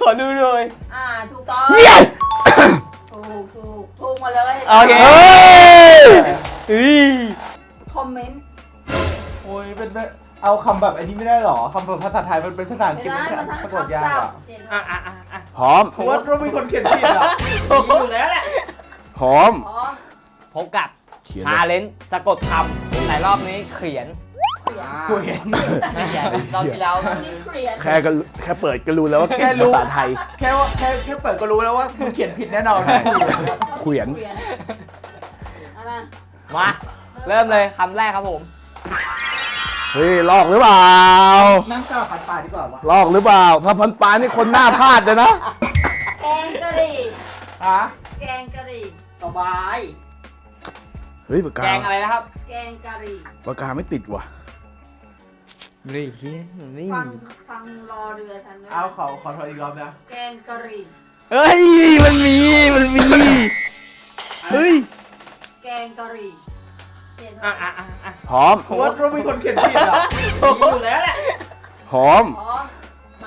อดูเลยถูกต้องถูกหมดเลยโอเคคอมเมนต์โอ้ยเป็นเอาคำแบบอันนี้ไม่ได้หรอคำแบบภาษาไทยมันเป็นภาษาอังกฤษไม่ได้มันมันทั้งสะกดยากอ่ะพร้อมเพราะว่าเรามีคนเขียนผิดอ่ะอยู่แล้วแหละพร้อมพบกับเขียนชาเลนจ์สะกดคำแต่รอบนี้เขียนกูเห็นรอบที่แล้วแค่เปิดก็รู้แล้วว่าแค่เก่งรู้ภาษาไทยแค่เปิดก็รู้แล้วว่ามึงเขียนผิดแน่นอนเขียนมาเริ่มเลยคำแรกครับผมเฮ้ยลอกหรือเปล่านั่งสลับป่าดีกว่าวะลอกหรือเปล่า ถ้าพันปลานี่คนหน้าพลาดเลยนะแกงกะหรี่ฮะแกงกะหรี่สบายเฮ้ยปากแกกางอะไรนะครับแกงกะหรี่ปากกาไม่ติดว่ะนี่นี่ฟังรอเรือฉันด้วยเอาขอโทษอีกรอบนะแกงกะหรี่เฮ้ยมันมีเฮ้ยแกงกะหรี่เขียนพร้อมเพราะว่าเรามีคนเขียนผิดอ่ะอยู่แล้วแหละพร้อมพร้อมมา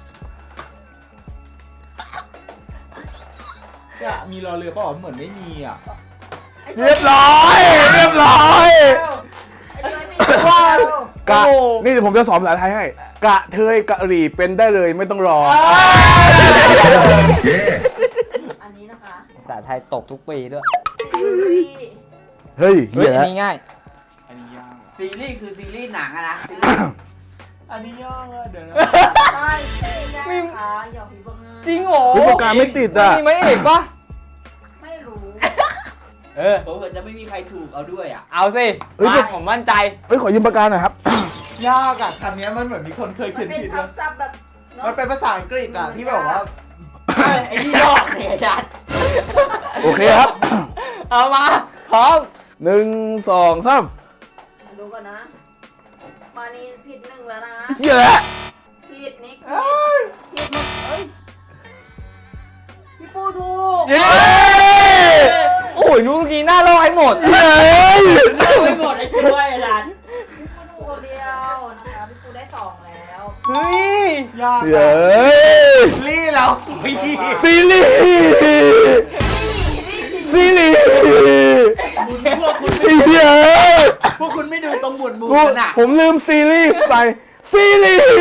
เนี่ยมีรอเรือเปล่าเหมือนไม่มีอ่ะเรียบร้อยไอ้ย้อยมีว่ากะนี่เดี๋ยวผมจะสอนภาษาไทยให้ กะเทยกะหรี่เป็นได้เลยไม่ต้องรออันนี้นะคะภาษาไทยตกทุกปีด้วยซีรีส์เฮ้ยเฮ้ยเหี้ยอันแล้วนี้ง่ายอันนี้ยากซีรีส์คือซีรีส์หนังอะนะอันนี้ยากอะเดี๋ยวนะใช่ซีรีส์นะคะอย่าพิมพ์ว่าง่ายจริงเหรอเฮ้ยปากกาไม่ติดอ่ะมีไหมเอกปะไม่รู้ผมเผื่อจะไม่มีใครถูกเอาด้วยอ่ะเอาสิเฮ้ยมาผมมั่นใจเฮ้ยขอยืมปากกาหน่อยครับยากอ่ะคำนี้มันเหมือนมีคนเคยมัเขีนยนเป็นผิดซับแบบเนอะมันเป็นภาษาอังกฤษอ่ะที่แบบว่าไอ้นี่ลอกเนี่ยอาจารย์โอเคครับเอามาพร้อม 1 2 3 ดูก่อนนะ มานี่ผิดหนึ่งแล้วนะเหี้ยแล้วผิดนิกผิดหมดเอ้ยพี่ปูถูกเย้โอ้ยลูกนี้หน้าลอกให้หมดเฮ้ยไม่หมดไอ้ช่วยอาจารย์พี่ปูถูกคนเดียวนะคะพี่ปูได้2แล้วเฮ้ยยากเฮ้ยลี่เราฟีซีรีส์ซีรีส์พวกคุณไอ้เหี้ยพวกคุณไม่ดูตรงหมวดหมู่กูกันอ่ะผมลืมซีรีส์ไปซีรีส์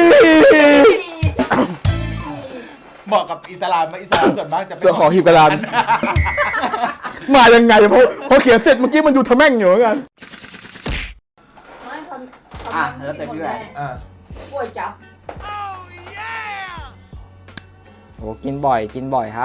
เหมาะกับอิสลามไหมอิสลามส่วนมากจะเป็นเสือขอหีบกระดานมายังไงพอเขียนเสร็จเมื่อกี้มันอยู่ทะแม่งอยู่เหมือนกันไม่ทำอ่ะแล้วแต่พี่แหวนอ่ะป่วยจับโอ้กินบ่อยครับ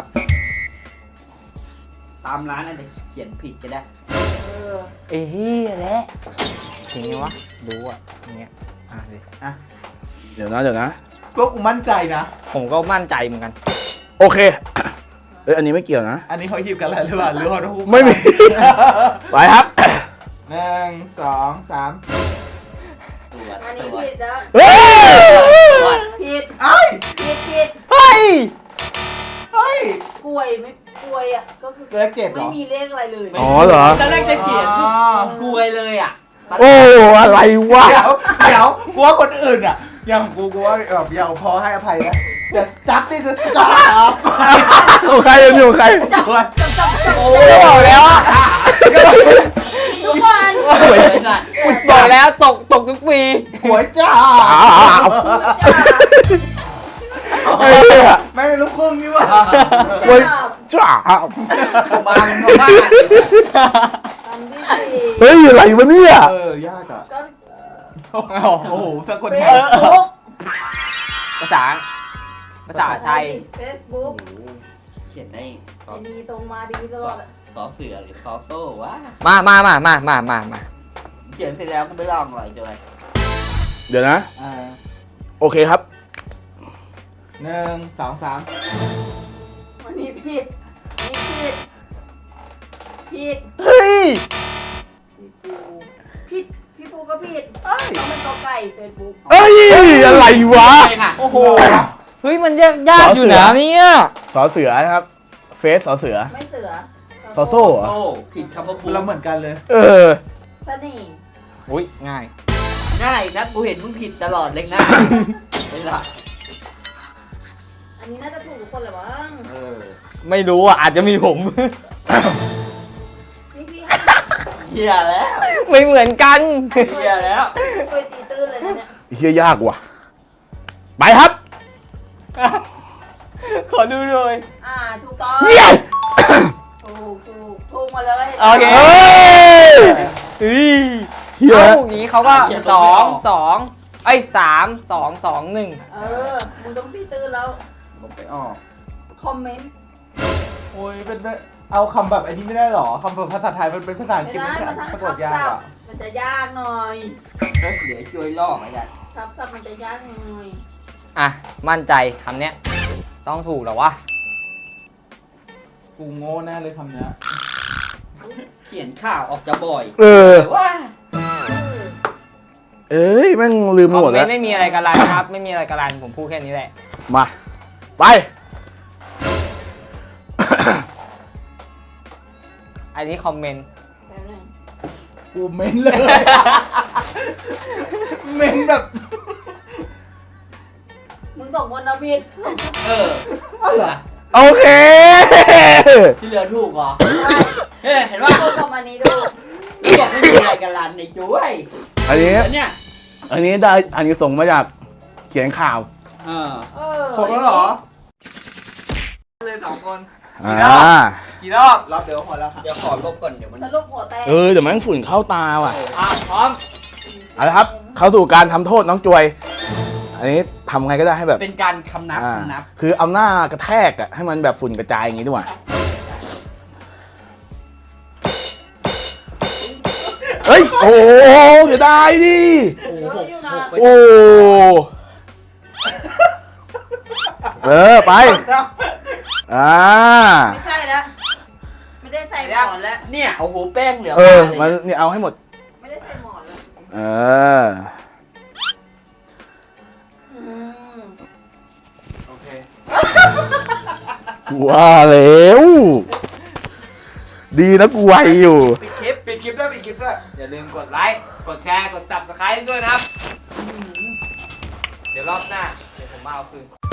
ตามร้านอาจจะเขียนผิดก็ได้เอ้ยแหละจริงไงวะดูอ่ะอย่างเงี้ยดิเดี๋ยวนะก็กูมั่นใจนะผมก็มั่นใจเหมือนกันโอเคเอ้ยอันนี้ไม่เกี่ยวนะอันนี้เขาหยิบกันแล้วหรือเปล่าหรือเขาทุกไม่มี ไปครับ 1 2 3 ตรวจอันตนี้รวจผิดแล้วเฮ้ยผิดเอ้ยผิดเฮ้ยเฮ้ยป่วยไม่ป่วยอ่ะก็คือเลข7เหรไม่อมีเลขอะไรเลยอ๋อเหรอตอนแรกจะเขียนกลวยเลยอ่ะโอ้อะไรวะเดี๋ยวกูว่าคนอื่นอ่ะอย่างกูว่าแบบอย่างพอให้อภัยนะแต่จับนี่คือจับของใครยังอยู่ของใครจับโอ้ยบอกแล้วอะทุกวันบอกแล้วตกทุกปีหวยจ้าไอ้เหี้ยไม่ลูกครึ่งนี่หว่าเว้ยจ้ามาบ้านอันที่สี่เฮ้ยอะไรวะเนี่ยยากอ่ะก็โอ้โหสะกดเฟยากซบุ๊กภาษาไทยเฟซบุ๊กเขียนได้ไอ้นี่ส่งมาดีตลอดขอเสือหรือขอโต้วะมาเขียนเสร็จแล้วก็ไม่ลองหรอกจอยเดี๋ยวนะ โอเคครับ 1 2 3 วันนี้ผิดนี่ผิดเฮ้ยผิดพี่ปูก็ผิดต้องเป็นตัวไก่เฟซบุ๊กเอ้ยอะไรวะโอ้โหเฮ้ยมันยากอยู่นะเนี่ยสอเสือนะครับ เฟสสอเสือไม่เสือซอโซ่เหรอโต้ผิดคำว่าปูเราเหมือนกันเลยเออเสน่ห์อุ้ยง่ายง่ายนะกูเห็นมึงผิดตลอดเลยนะเวลาออันนี้น่าจะถูกทุกคนแหละมั้งไม่รู้อ่ะอาจจะมีผมนี่พี่เหี้ยแล้วไม่เหมือนกันเหี้ยแล้วช่วยตีตื้นเลยนะเนี่ยเฮียยากว่ะ ไปครับขอดูหน่อยถูกต้องเยี่ยมถูกมาเลยโอเคเฮ้ย เฮียเอ้าอย่างนี้เขาก็2 2ไอ้ย3 2 2 1 มึงต้องตีตื้นแล้วผมไปออกคอมเมนต์โอ้ยเป็นเอาคำแบบไอ้นี้ไม่ได้หรอคำแบบภาษาไทยมันเป็นภาษาอังไม่กฤษได้ไม่มันทั้งสะกทัดบยากศัพอ่ะท์มันจะยากหน่อยแล้วเดี๋ยวช่วยลอกไอ้กันทับศัพท์มันจะยากหน่อยอ่ะ มั่นใจคำเนี้ย ต้องถูกเหรอวะกูโง่แน่เลยคำเนี้ยเขียนข่าวออกจะบ่อยเออแต่ว่าเอ้ยแม่งลืมคอหมมดเมแล้นวต์ไม่มีอะไรกันลันครับ ไม่มีอะไรกันลันผมพูดแค่นี้แหละมา ไปอันนี้คอมเมนต์แป๊บนึงกูเม้นเลย เม้นแบบมึงสองคนนะพี่เออโอเคที่เหลือถูกเหรอเฮ้ยเห็นว่าถูกประมาณนี้ดูลูกบอกไม่มีอะไรกันลันในจุ้ยอันนี้แล้วเนี่ยอันนี้ได้อันนี้ส่งมาจากเขียนข่าวเออผมแล้วเหรอเลย2 คนอ่ากี่รอบรอบเดียวพอแล้วค่ะเดี๋ยวขอลบก่อนเดี๋ยวมันสรุปหัวแตกเดี๋ยวแม่งฝุ่นเข้าตาว่ะพร้อมเอาละครับ เข้าสู่การทำโทษน้องจวย อันนี้ทำไงก็ได้ให้แบบเป็นการคำนับอ่าคำนับคือเอาหน้ากระแทกอะให้มันแบบฝุ่นกระจายอย่างงี้ดีกว่าเฮ้ย โอ้โหเสียดายดิโอ้เยโหอะอยู่นะโอ้ไป อ่าไม่ใช่แล้วไม่ได้ใส่หมอนแล้วเนี่ยโอ้โหแป้งเหลือมันเลยนี่เอาให้หมดไม่ได้ใส่หมอนแล้วเออโอเคว่าแล้ว ดีนะกูไวอยู่ปิดคลิปปิดคลิปด้วยปิดคลิปด้วยอย่าลืมกดไลค์ กดแชร์ กด subscribe ด้วยนะครับ เดี๋ยวรอบหน้า เดี๋ยวผมมาเอาคืน